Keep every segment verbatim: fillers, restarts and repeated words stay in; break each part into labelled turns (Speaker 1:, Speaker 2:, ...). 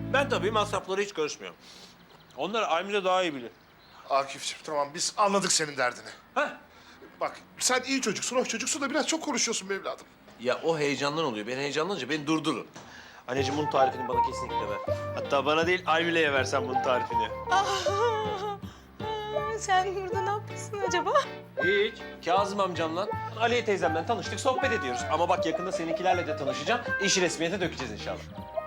Speaker 1: Ben tabii masraflara hiç karışmıyorum. Onlar Almila daha iyi bilir.
Speaker 2: Akif'ciğim tamam biz anladık senin derdini.
Speaker 1: Heh.
Speaker 2: Bak sen iyi çocuksun, hoş çocuksun da biraz çok konuşuyorsun be evladım.
Speaker 1: Ya o heyecandan oluyor. Ben heyecanlanınca beni durdurun. Anneciğim bunun tarifini bana kesinlikle ver. Hatta bana değil Almila'ya versen bunun tarifini.
Speaker 3: Ah, sen burada ne yapıyorsun acaba?
Speaker 1: Hiç. Kazım amcamla Aliye teyzemden tanıştık, sohbet ediyoruz. Ama bak yakında seninkilerle de tanışacağım. İşi resmiyete dökeceğiz inşallah.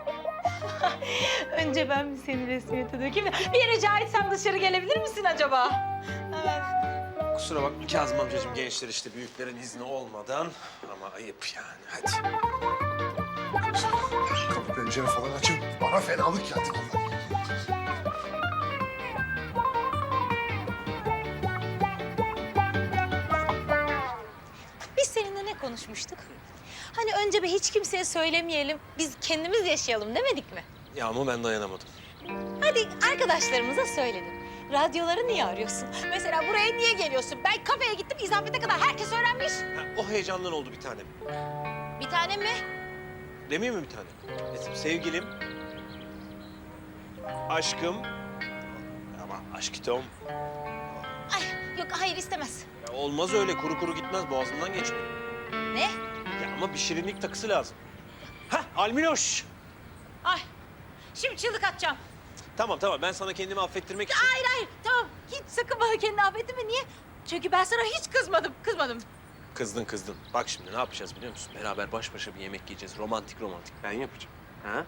Speaker 3: Önce ben bir seni resmiyete dökeyim de bir rica etsem dışarı gelebilir misin acaba? Evet.
Speaker 1: Kusura bakma Kazım amcacığım, gençler işte büyüklerin izni olmadan. Ama ayıp yani, hadi.
Speaker 2: Kapı pencere falan açın. Bana fenalık geldi vallahi.
Speaker 3: Biz seninle ne konuşmuştuk? Hani önce bir hiç kimseye söylemeyelim, biz kendimiz yaşayalım demedik mi?
Speaker 1: Ya ama ben dayanamadım.
Speaker 3: Hadi arkadaşlarımıza söyledim. Radyoları niye arıyorsun? Mesela buraya niye geliyorsun? Ben kafeye gittim, izafete kadar herkes öğrenmiş.
Speaker 1: Ha, o heyecandan oldu bir tanem.
Speaker 3: Bir tane mi?
Speaker 1: Demeyeyim mi bir tane? Mesela sevgilim, aşkım, ama aşkitom.
Speaker 3: Ay yok, hayır istemez.
Speaker 1: Ya olmaz öyle, kuru kuru gitmez, boğazımdan geçmiyor.
Speaker 3: Ne?
Speaker 1: Ya ama bir şirinlik takısı lazım. Hah, Almiloş.
Speaker 3: Ay, şimdi çığlık atacağım.
Speaker 1: Tamam tamam, ben sana kendimi affettirmek için...
Speaker 3: Hayır hayır, tamam. Hiç sakın bana kendini affetme. Niye? Çünkü ben sana hiç kızmadım, kızmadım.
Speaker 1: Kızdın kızdın. Bak şimdi ne yapacağız biliyor musun? Beraber baş başa bir yemek yiyeceğiz. Romantik romantik. Ben yapacağım. Ha?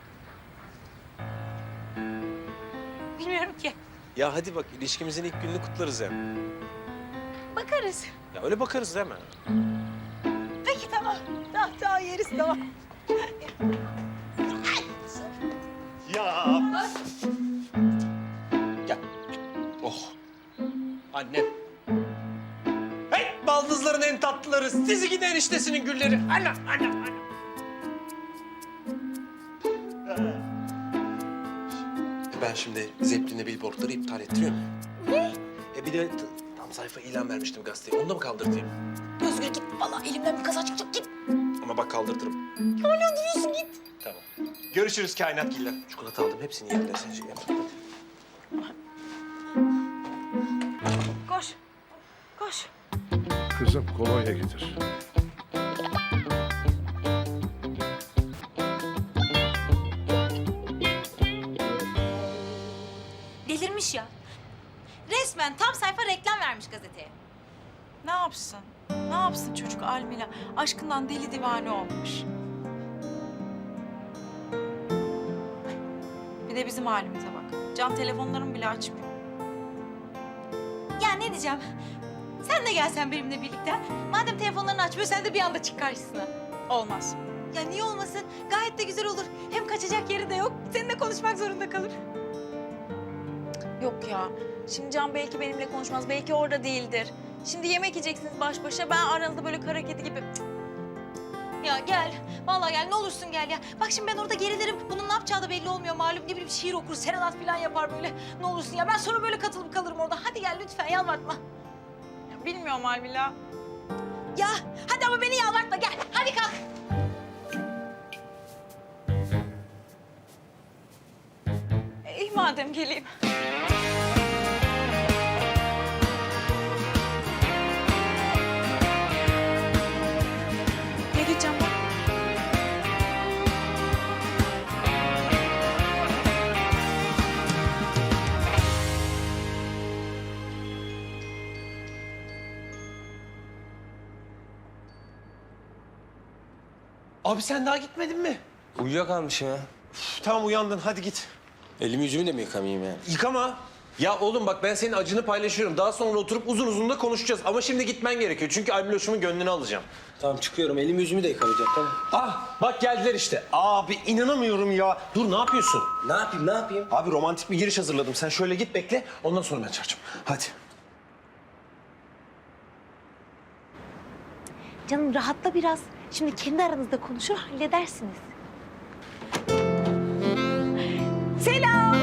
Speaker 3: Bilmiyorum ki.
Speaker 1: Ya hadi bak, ilişkimizin ilk gününü kutlarız hem.
Speaker 3: Bakarız.
Speaker 1: Ya öyle bakarız değil mi?
Speaker 3: Peki tamam. Tamam, tamam yeriz tamam.
Speaker 1: Ya. Gel. Oh. Annem. Hey, baldızların en tatlıları. Sizi gidi eniştesinin gülleri. Ana, ana, ana. Ben şimdi Zeppelin'e billboardları iptal ettiriyorum.
Speaker 3: Ne?
Speaker 1: E bir de t- tam sayfa ilan vermiştim gazeteye. Onu da mı kaldırtayım?
Speaker 3: Özgür git. Vallahi elimden bir kaza çıkacak. Git.
Speaker 1: Ama bak kaldırtırım.
Speaker 3: Hala duruyorsun git.
Speaker 1: Tamam. Görüşürüz kainatgiller. Çikolata aldım. Hepsini yediler. Sen şey yap.
Speaker 3: Koş. Koş.
Speaker 2: Kızım kolonya getir.
Speaker 3: Delirmiş ya. Resmen tam sayfa reklam vermiş gazeteye.
Speaker 4: Ne yapsın? Ne yapsın çocuk Almila? Aşkından deli divane olmuş. Bir de bizim halimize bak. Can telefonlarımı bile açmıyor.
Speaker 3: Ya ne diyeceğim? Sen de gelsen benimle birlikte. Madem telefonlarını açmıyor, sen de bir anda çık karşısına.
Speaker 4: Olmaz.
Speaker 3: Ya niye olmasın? Gayet de güzel olur. Hem kaçacak yeri de yok. Seninle konuşmak zorunda kalır.
Speaker 4: Yok ya. Şimdi Can belki benimle konuşmaz. Belki orada değildir. Şimdi yemek yiyeceksiniz baş başa. Ben aranızda böyle kara kedi gibi... Cık.
Speaker 3: Ya gel. Vallahi gel. Ne olursun gel ya. Bak şimdi ben orada gerilirim. Bunun ne yapacağı da belli olmuyor malum. Ne bileyim şiir okur, serenat falan yapar böyle. Ne olursun ya. Ben sonra böyle katılıp kalırım orada. Hadi gel lütfen yalvartma.
Speaker 4: Ya bilmiyorum Almila.
Speaker 3: Ya hadi ama beni yalvartma gel. Hadi kalk.
Speaker 4: İyi madem geleyim. Ne diyeceğim ben?
Speaker 1: Abi sen daha gitmedin mi?
Speaker 5: Uyuyakalmışım ya.
Speaker 1: Üf, tamam uyandın. Hadi git.
Speaker 5: Elimi yüzümü de mi yıkamayayım yani?
Speaker 1: Yıkama. Ya oğlum bak ben senin acını paylaşıyorum. Daha sonra oturup uzun uzun da konuşacağız. Ama şimdi gitmen gerekiyor. Çünkü Almiloş'umun gönlünü alacağım.
Speaker 5: Tamam çıkıyorum. Elimi yüzümü de yıkamayacağım tamam.
Speaker 1: Ah bak geldiler işte. Abi inanamıyorum ya. Dur ne yapıyorsun?
Speaker 5: Ne yapayım ne yapayım?
Speaker 1: Abi romantik bir giriş hazırladım. Sen şöyle git bekle. Ondan sonra ben çağıracağım. Hadi.
Speaker 3: Canım rahatla biraz. Şimdi kendi aranızda konuşur halledersiniz. Selam.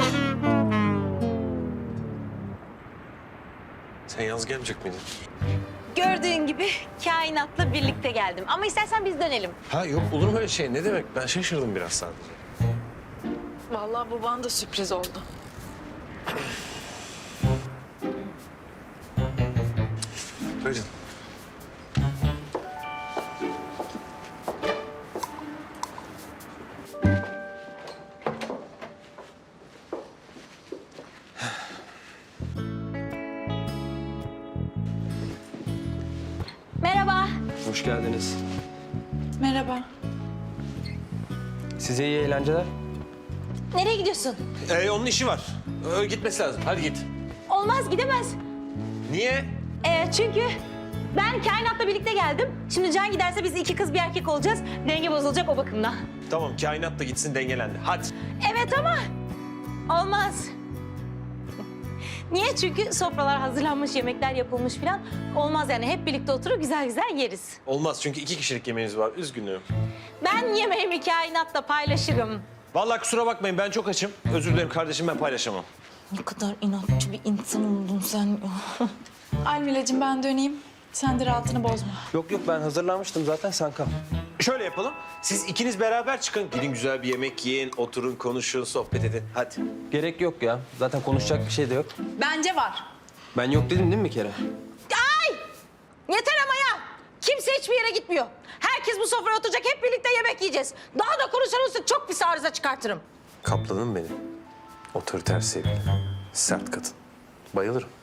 Speaker 1: Sen yalnız gelmeyecek miydin?
Speaker 3: Gördüğün gibi kainatla birlikte geldim. Ama istersen biz dönelim.
Speaker 1: Ha yok olur mu öyle şey? Ne demek? Ben şaşırdım biraz sadece.
Speaker 4: Vallahi bu bana da sürpriz oldu.
Speaker 2: Buyurun.
Speaker 3: Merhaba.
Speaker 5: Hoş geldiniz.
Speaker 4: Merhaba.
Speaker 5: Size iyi eğlenceler.
Speaker 3: Nereye gidiyorsun?
Speaker 1: Ee, onun işi var. Ee, gitmesi lazım. Hadi git.
Speaker 3: Olmaz, gidemez.
Speaker 1: Niye?
Speaker 3: Ee, çünkü ben kainatla birlikte geldim. Şimdi Can giderse biz iki kız bir erkek olacağız. Denge bozulacak o bakımdan.
Speaker 1: Tamam, kainat da gitsin, dengelendi. Hadi.
Speaker 3: Evet ama olmaz. Niye? Çünkü sofralar hazırlanmış, yemekler yapılmış falan. Olmaz yani, hep birlikte oturup güzel güzel yeriz.
Speaker 1: Olmaz çünkü iki kişilik yemeğimiz var. Üzgünüm.
Speaker 3: Ben yemeğimi kainatla paylaşırım.
Speaker 1: Vallahi kusura bakmayın, ben çok açım. Özür dilerim kardeşim, ben paylaşamam.
Speaker 3: Ne kadar inatçı bir insan oldun sen.
Speaker 4: Almila'cığım ben döneyim. Sen de rahatını bozma.
Speaker 5: Yok yok ben hazırlanmıştım zaten sen kal.
Speaker 1: Şöyle yapalım. Siz ikiniz beraber çıkın. Gidin güzel bir yemek yiyin, oturun, konuşun, sohbet edin. Hadi.
Speaker 5: Gerek yok ya. Zaten konuşacak bir şey de yok.
Speaker 4: Bence var.
Speaker 5: Ben yok dedim değil mi bir kere?
Speaker 3: Ay! Yeter ama ya! Kimse hiçbir yere gitmiyor. Herkes bu sofraya oturacak, hep birlikte yemek yiyeceğiz. Daha da konuşursa çok pis arıza çıkartırım.
Speaker 1: Kaplanım benim. Otoriter sevgili. Sert kadın. Bayılırım.